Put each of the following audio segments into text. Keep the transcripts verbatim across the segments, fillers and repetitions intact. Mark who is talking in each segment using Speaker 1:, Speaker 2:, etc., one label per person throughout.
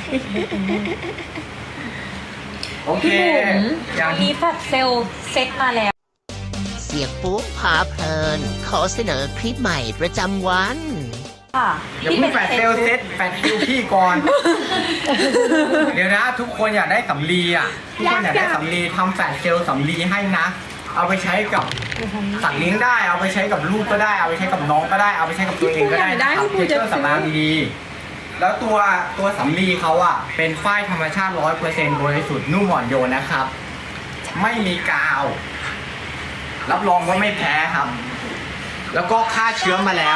Speaker 1: โอเค
Speaker 2: พี่บุ๋ม
Speaker 1: อย่าง
Speaker 2: วันนี้แฟลชเซลล์เซ็ตมาแล้ว
Speaker 3: เสียงปุ๊บพาเพลิน ขอเสนอคลิปใหม่ประจำวัน
Speaker 2: ค่ะ
Speaker 1: อย่าเพิ่งแฟดเซลเซ็ตแฟดคิวพี่ก่อน เดี๋ยวนะ ทุกคนอยากได้สำลีอ่ะ ทุกคนอยากได้สำลีทำแฟดเซลสำลีให้นะ เอาไปใช้กับสัตว์เลี้ยงได้ เอาไปใช้กับลูกก็ได้ เอาไปใช้กับน้องก็ได้ เอาไปใช้กับตัวเองก็ได้นะครับเพื่อเครื่องสำอางดี แล้วตัวตัวสำลีเขาอ่ะเป็นฝ้ายธรรมชาติ ร้อยเปอร์เซ็นต์ บริสุทธิ์นุ่มอ่อนโยนนะครับ ไม่มีกาว รับรองว่าไม่แพ้ครับ แล้วก็ฆ่าเชื้อมาแล้ว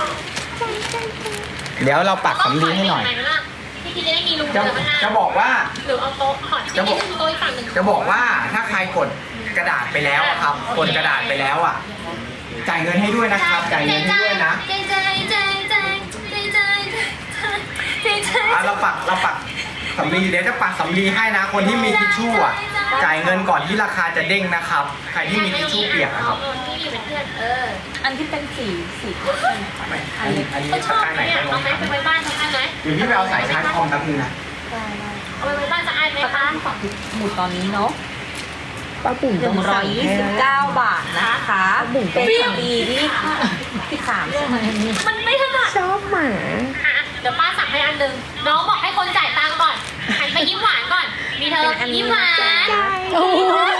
Speaker 1: เดี๋ยวเราปักสำลีให้หน่อย
Speaker 4: พี่จะได้มีรู
Speaker 1: จะ
Speaker 4: เดินข้างหน้า
Speaker 1: จะบอกว่า
Speaker 4: หรือเอาโต๊ะขอดที่นี่คือโต๊ะอีกฝั่งหนึ่ง
Speaker 1: จะบอกว่าถ้าใครกดกระดาษไปแล้วอะครับกดกระดาษไปแล้วอ่ะ จ่ายเงินให้ด้วยนะครับ จ่ายเงินให้ด้วยนะ
Speaker 4: ใจใจใจใจใจใจใจใจ
Speaker 1: อ่ะเราปักเราปักสำลีเดี๋ยวจะปักสำลีให้นะ คนที่มีทิชชู่อ่ะ จ่ายเงินก่อนที่ราคาจะเด้งนะครับ ใครที่มีทิชชู่เปียกนะครับ
Speaker 4: พี่อยู่เป็นเพื่อนเออ
Speaker 2: อันที่เป็นสีสี
Speaker 1: ไม่อันนี้อันนี้
Speaker 4: เขาช
Speaker 1: ตะ
Speaker 4: อบ
Speaker 1: กร้าไหน
Speaker 4: เนี่ย
Speaker 1: ไม่ล
Speaker 4: เอา
Speaker 1: ง
Speaker 4: ไหมไปไว้บ้านสักอันไหม
Speaker 1: เดี๋ยวพี่ไปเอาสายชาร์จคอมแป๊บนึงนะ
Speaker 4: เอาไปไว้บ้านสักอันไหม
Speaker 2: ตะกร้า
Speaker 4: คะ
Speaker 2: ที่ฝั่งหมุดตอนนี้เนาะ
Speaker 5: ป้าบุ๋ม
Speaker 2: ห
Speaker 5: ต้
Speaker 2: นึ่
Speaker 5: อง ง
Speaker 2: ร้อย
Speaker 5: สั่ง
Speaker 2: ยี่
Speaker 5: ให้
Speaker 2: สิบ
Speaker 5: แล้ว
Speaker 2: เก้าบาทนะคะ
Speaker 5: บุ๋มต้
Speaker 2: เป็
Speaker 5: อง
Speaker 2: น
Speaker 5: สั่ง
Speaker 2: ปีที่ที่สามใช่ไหม
Speaker 4: มันไม่ถนัด
Speaker 5: ชอบหมา
Speaker 4: อ่ะเดี๋ยวป้าสั่งให้อันหนึ่งน้องบอกให้คนจ่ายตังค์ก่อนหันไปยิ้มหวานก่อน มีเธอยิ้มหวาน
Speaker 5: โอ้โห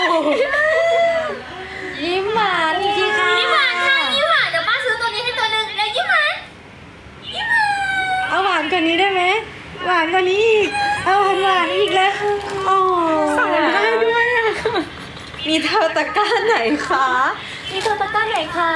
Speaker 2: ยิ้มหวานจริงๆค่ะ
Speaker 4: ยิ้มหวานค่ะยิ้มหวานเดี๋ยวป้าซื้อตัวนี้ให้ตัวหนึ่งแล้วยิ้มหวานยิ้มหวาน
Speaker 5: เอาหวานกว่านี้ได้ไหมหวานกว่านี้อีกเอาหวานหวานอีกแล้วโอ้สั่งได้ด้วยอ่ะ
Speaker 2: มีเธอตะกร้าไหนคะมีเธอตะกร้าไหนคะ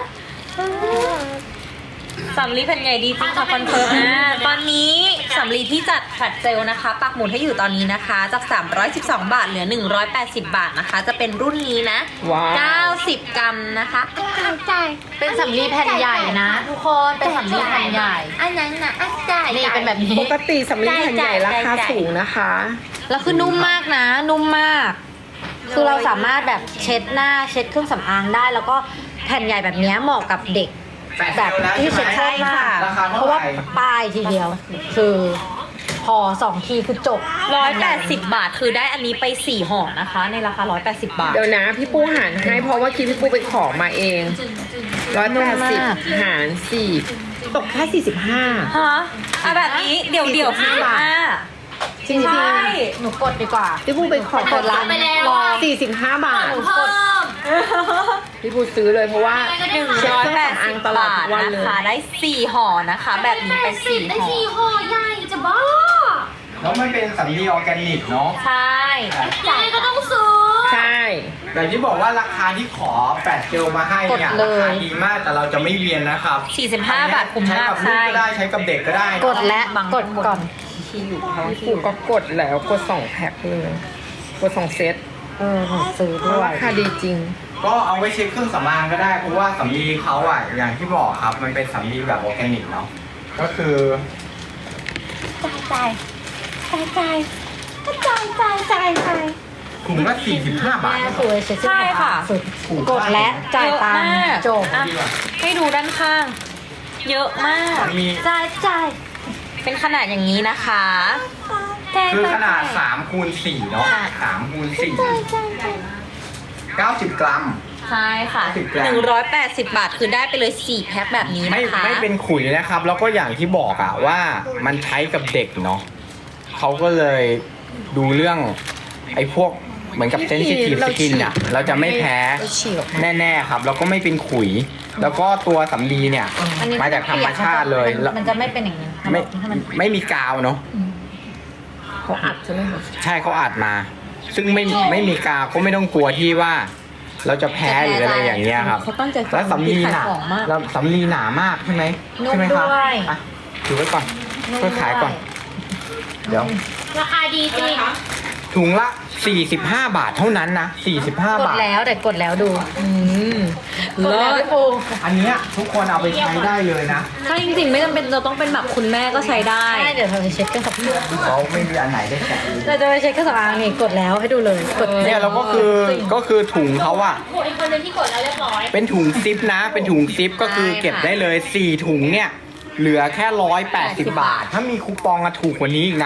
Speaker 2: สำลีเป็นไงดีจริงค่ะคอนเฟิร์มอ่าตอนนี้สำลีที่จัดแฟลชเซลนะคะ ปักหมุดให้อยู่ตอนนี้นะคะ จาก สามร้อยสิบสอง บาทเหลือ หนึ่งร้อยแปดสิบ บาทนะคะ จะเป็นรุ่นนี้นะ
Speaker 5: ว้าว
Speaker 2: เก้าสิบ กรัมนะคะ
Speaker 4: จ่ายจ่าย
Speaker 2: เป็นสำลีแผ่นใหญ่นะ ทุกคนเป็นสำลีแผ่นใหญ่
Speaker 4: อันนั้นน่ะอ่ะจ่าย
Speaker 2: นี่เป็นแบบนี้
Speaker 5: ปกติสำลีแผ่นใหญ่ราคาสูงนะคะ
Speaker 2: แล้วคือนุ่มมากนะ นุ่มมาก คือเราสามารถแบบเช็ดหน้าเช็ดเครื่องสำอางได้ แล้วก็แผ่นใหญ่แบบนี้เหมาะกับเด็ก
Speaker 1: แฟดเซ
Speaker 2: แบบ
Speaker 1: ลแล้ว
Speaker 2: ที่
Speaker 1: ใช่
Speaker 2: เช็ด
Speaker 1: ไหม
Speaker 2: ใช่ค่ะ
Speaker 1: ราคา
Speaker 2: เพ
Speaker 1: เท่า
Speaker 2: ราะ
Speaker 1: ไห
Speaker 2: ว่า
Speaker 1: ร่
Speaker 2: ป้ายทีเดียว คือพอสองทีคือจบร้อยแปดสิบบาทคือได้อันนี้ไปสี่ห่อนะคะ ในราคาร้อยแปดสิบบาท
Speaker 5: เดี๋ยวนะพี่ปูหารให้เพราะว่าคิดพี่ปูไปขอมาเองร้อยแปดสิบหารสี่ตกแค่สี่สิบห้า
Speaker 2: ฮะเอาแบบนี้เดี๋ยวเดี๋ยว
Speaker 5: สี่สิบห้าบาท จริง
Speaker 2: ใช่
Speaker 5: ๆ
Speaker 2: หนูกดดีกว่า
Speaker 5: พี่ปูไปขอก
Speaker 2: ดร้าน
Speaker 4: ไปแล้ว
Speaker 2: รอ
Speaker 5: สี่สิบห้าบาท
Speaker 4: เพิ่ม
Speaker 5: พี่ปูซื้อเลยเพราะว่า
Speaker 2: หนึ่งร้อยแปดสิบบาทนะคะได้สี่ห่อนะคะ แบบนี้ไปสี่
Speaker 4: ได้
Speaker 2: ห่อ
Speaker 4: สี่ห่อใหญ่จะบ้า
Speaker 1: แล้วมันเป็นสำลีออร์แกนิกเนาะ
Speaker 2: ใช่
Speaker 4: ยังไงก็ต้องซื้อ
Speaker 5: ใช่
Speaker 1: แต่ที่บอกว่าราคาที่ขอแปดเจลมาให้เนี่ยราคาดีมากแต่เราจะไม่เวียนนะครับ
Speaker 2: สี่สิบห้าบาทคุ้ม
Speaker 1: ใช้
Speaker 2: มาก
Speaker 1: กับลูก
Speaker 2: ใช่
Speaker 1: ก็ได้ใช้กับเด็กก็ได้
Speaker 2: กดและกดก่อน
Speaker 5: พี่ปูก็กดแล้วกดสองแพ็คเลยกดสองเซต
Speaker 2: เออหนูซื้อ
Speaker 5: เพ
Speaker 2: ด้
Speaker 5: ราะ
Speaker 2: ว
Speaker 5: ราย คาดีจริง
Speaker 1: ก็เอาไว้เช็คเครื่องสำอางก็ได้เพราะว่าสำลีเขาอ่ะอย่างที่บอกครับมันเป็นสำลีแบบออร์แกนิกเนาะก็คือ
Speaker 4: จ่ายจ่ายจ่ายจ่ายจ่ายจ่ายจ่าย
Speaker 1: ถุงละสี่สิบห้าบาท
Speaker 2: แม่สวยเช็ดใช่ค่ะ กดและจ่ายตังค์จบอ่ะให้ดูด้านข้าง เยอะมาก
Speaker 1: มันมี
Speaker 2: จ่ายจ่ายเป็นขนาดอย่างนี้นะคะ
Speaker 1: คือขนาดสามคูณสี่เนาะสามคูณสี่เก้าสิบกรัม
Speaker 2: ใช่ค่ะ
Speaker 1: สิบกรัม
Speaker 2: หนึ่งร้อยแปดสิบบาทคือได้ไปเลยสี่แพ็คแบบนี้
Speaker 1: ไม่
Speaker 2: นะคะ
Speaker 1: ไม่เป็นขุยนะครับ แล้วก็อย่างที่บอกอะว่ามันใช้กับเด็กเนาะเขาก็เลยดูเรื่องไอ้พวกเหมือนกับเซนซิทีฟ
Speaker 5: เรา
Speaker 1: ส
Speaker 5: ฉี
Speaker 1: กิ
Speaker 5: ด
Speaker 1: นอะเราจะไม่แพ้
Speaker 5: เราฉีดออกมา
Speaker 1: แน่ๆครับ แล้วก็ไม่เป็นขุย แล้วก็ตัวสำลีเนี่ย
Speaker 2: อันนี้
Speaker 1: มาจากธรรมชาติเลย
Speaker 2: มันมันจะไม่เป็นอย่างนี้
Speaker 1: ไม่
Speaker 2: ให้มัน
Speaker 1: ไม่มีกาวเนาะ
Speaker 5: เขาอัดใช่ไหมคะ
Speaker 1: ใช่เขาอัดมา ซึ่งไม่ไม่มีกาวก็ไม่ต้องกลัวที่ว่า เราจะแพ้หรืออะไรอย่างเงี้ยครับ
Speaker 2: เขาตั้งใจฟัง
Speaker 1: แล้วสำลีหนา
Speaker 2: ขายของมาก
Speaker 1: แล้วสำลีหนามากใช่ไหม
Speaker 2: นุ่ม
Speaker 1: ใช่ไหมครับ
Speaker 2: ด้วย
Speaker 1: อ่ะถือไว้ก่อนเพื่อขายก่อน เดี๋ยว
Speaker 4: ราคาดีจริง
Speaker 1: ถุงละสี่สิบห้าบาทเท่านั้นนะสี่สิบห้าก
Speaker 2: ด
Speaker 1: บาท
Speaker 2: แล้วแต่กดแล้วดู อืม
Speaker 5: กดแล้วพี่ปู
Speaker 1: อันเนี้ยทุกคนเอาไปใช้ได้เลยนะ
Speaker 2: ถ้าจริงๆไม่จำเป็นเราต้องเป็นแบบคุณแม่ก็ใช้ได้ใช่เดี๋ยวเราจะเช็ดเครื่องสำอาง
Speaker 1: เขาไม่มีอันไหนได้แกะเลย
Speaker 2: เราจะไปเช็ดเครื่องสำอางนี่กดแล้วให้ดูเลยกด
Speaker 1: เนี่ยเราก็คือก็คือถุงเขาอะ
Speaker 4: โอ้อีกคนนึงที่กดแล้วเรียบร้อย
Speaker 1: เป็นถุงซิปนะ เป็นถุงซิปก็คือเก็บได้เลยสี่ถุงเนี่ย เหลือแค่ร้อยแปดสิบบาท ถ้ามีคูปองอะถูกกว่านี้อีกนะ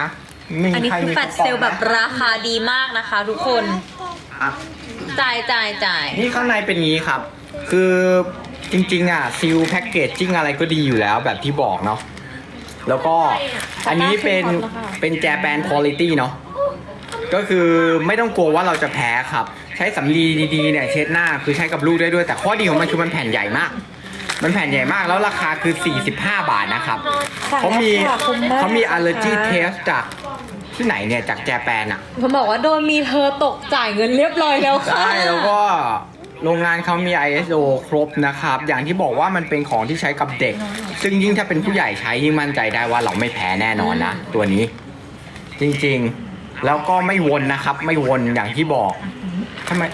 Speaker 1: มี
Speaker 2: อันนี้
Speaker 1: ใร
Speaker 2: คือ
Speaker 1: มี
Speaker 2: แฟลชเซลล์แบบราคาดีมากนะคะ ทุกคน
Speaker 1: อ่ะ
Speaker 2: จ่ายจ่ายจ่าย
Speaker 1: นี่ข้างในเป็นงี้ครับ คือจริงๆอ่ะซิลแพ็กเกจจิ้งอะไรก็ดีอยู่แล้วแบบที่บอกเนาะแล้วก็อันนี้เป็นเป็นแจแปนคุณภาพเนาะก็คือไม่ต้องกลัวว่าเราจะแพ้ครับ ใช้สำลีดีๆเนี่ยเช็ดหน้าคือใช้กับลูกได้ด้วย แต่ข้อดีของมันคือมันแผ่นใหญ่มาก มันแผ่นใหญ่มากแล้วราคาคือสี่สิบห้าบาทนะครับเขามีเขามี allergy test จากที่ไหนเนี่ยจากแจแปนอ่ะ
Speaker 2: เขาบอกว่าโดนมีเธอตกจ่ายเงินเรียบร้อยแล้วค่ะ
Speaker 1: ใช่แล้วก็โรงงานเขามี ไอ เอส โอ ครบนะครับ อย่างที่บอกว่ามันเป็นของที่ใช้กับเด็ก ซึ่งยิ่งถ้าเป็นผู้ใหญ่ใช้ยิ่งมั่นใจได้ว่าเราไม่แพ้แน่นอนนะ ตัวนี้ จริงๆ แล้วก็ไม่วนนะครับ ไม่วนอย่างที่บอกทำไม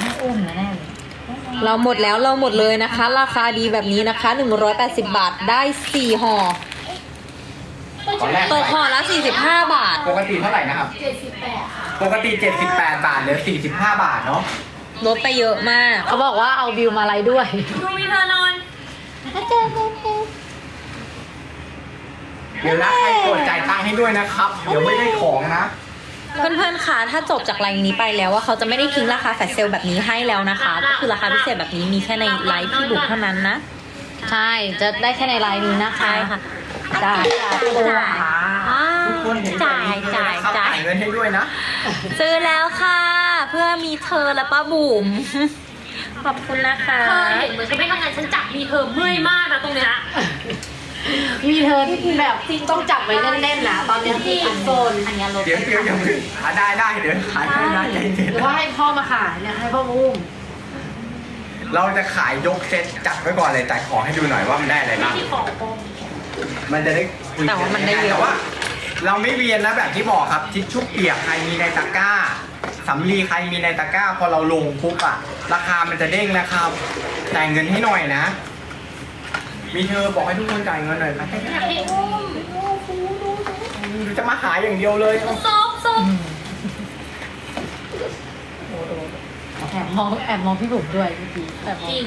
Speaker 2: เราหมดแล้วเราหมดเลยนะคะ ราคาดีแบบนี้นะคะหนึ่งร้อยแปดสิบบาทได้สี่ห่อ
Speaker 1: ตอนแรก
Speaker 2: ตกห่อละสี่สิบห้าบาท
Speaker 1: ปกติเท่าไหร่นะครับ
Speaker 4: เจ็ดสิบแปดค่ะ
Speaker 1: ปกติ เจ็ดสิบแปด บาทเหลือ สี่สิบห้า บาทเนาะ
Speaker 2: ลดไปเยอะมาก
Speaker 5: เขาบอกว่าเอาบิวมาไลฟ์ด้วย
Speaker 4: ดูมีเธอนอน
Speaker 1: เดี๋ยวนะใครกดจ่ายตังค์ให้ด้วยนะครับ เดี๋ยวไม่ได้ของนะ
Speaker 2: เพื่อนๆคะถ้าจบจากไลน์นี้ไปแล้วว่าเขาจะไม่ได้ทิ้งราคาแฟลชเซลล์แบบนี้ให้แล้วนะคะ ก็คือราคาพิเศษแบบนี้มีแค่ในไลฟ์พี่บุ๋มเท่านั้นนะ
Speaker 5: ใช่ จะได้แค่ในไลน์นี้นะคะ
Speaker 2: ใช่ค่ะ
Speaker 5: จ่าย
Speaker 2: จ่ายอ่า
Speaker 1: ทุกคนเห็น
Speaker 2: จ่ายจ่าย
Speaker 1: นะครับ
Speaker 2: จ่าย
Speaker 1: เงินให้ด้วยนะ
Speaker 2: ซื้อแล้วค่ะ เพื่อมีเธอและป้าบุ๋ม ขอบคุณนะคะ
Speaker 4: เธอเห็นเหมือนฉันไม่ทำงานฉันจับมีเธอเมื่อยมากนะตรงเนี้ย
Speaker 5: มีเธอที่แบบต้องจับไว้แน่นๆนะตอนนี้ที่อันโซน
Speaker 2: อันนี้ลด
Speaker 1: เดี๋ยวเดี๋ยวอย่าเพิ่งหาได้ได้เดี๋ยวขายให้นะใจเย็น
Speaker 5: หรือว่าให้พ่อมาขายเนี่ยให้พ่อมาอุ้ม
Speaker 1: เราจะขายยกเซตจัดไว้ก่อนเลยแต่ขอให้ดูหน่อยว่ามันได้อะไรบ้าง
Speaker 4: ที่ของโปม
Speaker 1: มันจะได้คุย
Speaker 2: แต่ว่ามันได้เยอะ
Speaker 1: แต่ว่า เราไม่เวียนนะแบบที่บอกครับทิชชู่เปียกใครมีในตะกร้าสำลีใครมีในตะกร้า พอเราลงปุ๊บอะราคามันจะเด้งนะครับจ่ายเงินให้หน่อยนะ มีเธอบอกให้ทุกคนจ่ายเงินหน่อยครับ
Speaker 4: อยากให้อุ้ม
Speaker 1: จะมาหาอย่างเดียวเลย
Speaker 4: ซุบซุบ
Speaker 5: แอบมองแอบมองพี่บุ๋มด้วยพี่พีแอบมอ
Speaker 4: จ
Speaker 5: ง
Speaker 4: ริง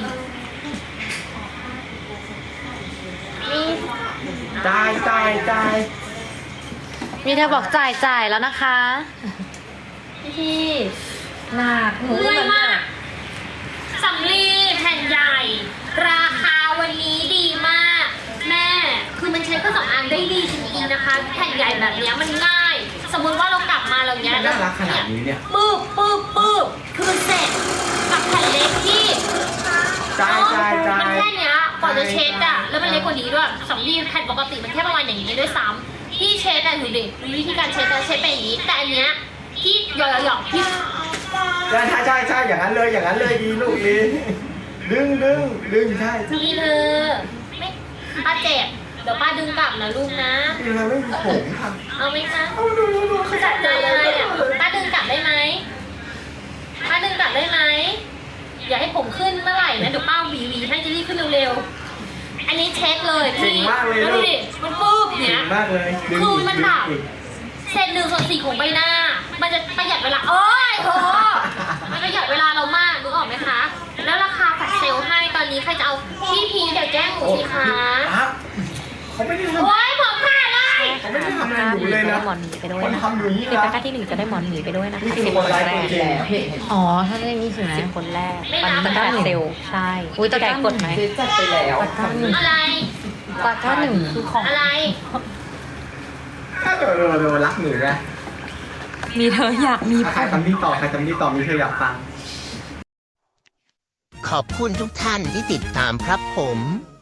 Speaker 4: นี่
Speaker 1: จ่ายจ่ายจ่าย
Speaker 5: มีเธอบอกจ่ายจ่ายแล้วนะคะ
Speaker 4: พี่
Speaker 5: หนักหนู
Speaker 4: เมื่อยมากสำลีแผ่นใหญ่ ราคาวันนี้ดีมาก แม่ คือมันใช้เครื่องสำอางได้ดีจริงๆนะคะ แผ่นใหญ่แบบเนี้ยมันง่าย สมมุติว่าเรากลับมาเราเนี้ย
Speaker 1: น่ารักขนาดนี้เนี่ย
Speaker 4: ปึ๊บปึ๊บปึ๊บคือเสร็จกับแผ่นเล็กที่
Speaker 1: จ่ายจ่ายจ่าย
Speaker 4: มันแค่เนี้ยกว่าจะเช็ดอะแล้วมันเล็กกว่านี้ด้วยสำลีแผ่นปกติมันแค่ประมาณอย่างนี้ด้วยซ้ำที่เช็ดอะดูดิดูวิธีการเช็ดนะเช็ดไปอย่างนี้ แต่อันเนี้ยที่หยอกหยอกๆที่
Speaker 1: ใช่ใช่ใช่ใช่อย่างนั้นเลยอย่างนั้นเลยดีลูกดีดึงดึงดึงใช่
Speaker 4: นี่เธอไม่ป้าเจ็บเดี๋ยวป้าดึงกลับนะลูกนะ
Speaker 1: ดีเลยไม่มีผมค่ะ
Speaker 4: เอาไหมคะคือจัดใจอะไรอ่ะป้าดึงกลับได้ไหมป้าดึงกลับได้ไหมอย่าให้ผมขึ้นเมื่อไหร่นะเดี๋ยวป้าหวีหวีให้จะรีบขึ้นเร็วๆอันนี้เช็ดเลย
Speaker 1: เก่ง
Speaker 4: พี่
Speaker 1: มากเลย
Speaker 4: แล้ว
Speaker 1: ลู
Speaker 4: ดู
Speaker 1: ก
Speaker 4: ดิมันปุ๊บ
Speaker 1: เก่
Speaker 4: เนี้
Speaker 1: ง
Speaker 4: ย
Speaker 1: มากเลยดึง
Speaker 4: คือ
Speaker 1: อีก
Speaker 4: มัน
Speaker 1: ดึ
Speaker 4: แบ
Speaker 1: ง
Speaker 4: บ
Speaker 1: อีก
Speaker 4: เศษหนึ่งส่วนสี่ของใบหน้า มันจะประหยัดเวลาโอ้ยโหมันประหยัดเวลาเรามากรู้ออกไหมคะ แล้วราคาแฟลชเซลล์ให้ตอนนี้ใครจะเอาพี่พีเดี๋ยวแจ้งหนูสิคะ
Speaker 1: อ่ะเขาไม่ได้ทำ
Speaker 4: โอ้ยผมขาดเลย
Speaker 1: เขาไม่ได้ทำอะไรอยู่เลยนะ
Speaker 2: หมอนหมีไปด้วย
Speaker 1: คน
Speaker 2: นะ
Speaker 1: ทำอยู่นี่
Speaker 2: เดี๋ยว
Speaker 1: นะ
Speaker 2: ตะกร้าที่หนึ่งจะได้หมอนหมีไปด้วยนะคะ
Speaker 1: นี่คือ
Speaker 2: สิบ
Speaker 1: คน
Speaker 2: คน
Speaker 1: ไลฟ์
Speaker 2: แร
Speaker 1: ตัว
Speaker 2: ก
Speaker 1: จริง
Speaker 5: อ๋อถ้าได้มีสินะ
Speaker 2: สิบคนแรกตอนนี้ตะกร้าเซลลใช่
Speaker 5: อุ๊ยตะกร้า
Speaker 2: พี่ไกดกดไหม
Speaker 5: จัดไปแล้ว
Speaker 4: อะไร
Speaker 5: ตะกร้าหนึ่งคือของ
Speaker 4: อะไร
Speaker 1: ถ้าเดี๋ยวเดี๋ยวเดี๋ยวรักหนูนะ
Speaker 2: มีเธออยากมี
Speaker 1: ใครทำนี่ต่อใครทำนี่ต่อมีเธออยากฟัง
Speaker 3: ขอบคุณทุกท่านที่ติดตามครับผม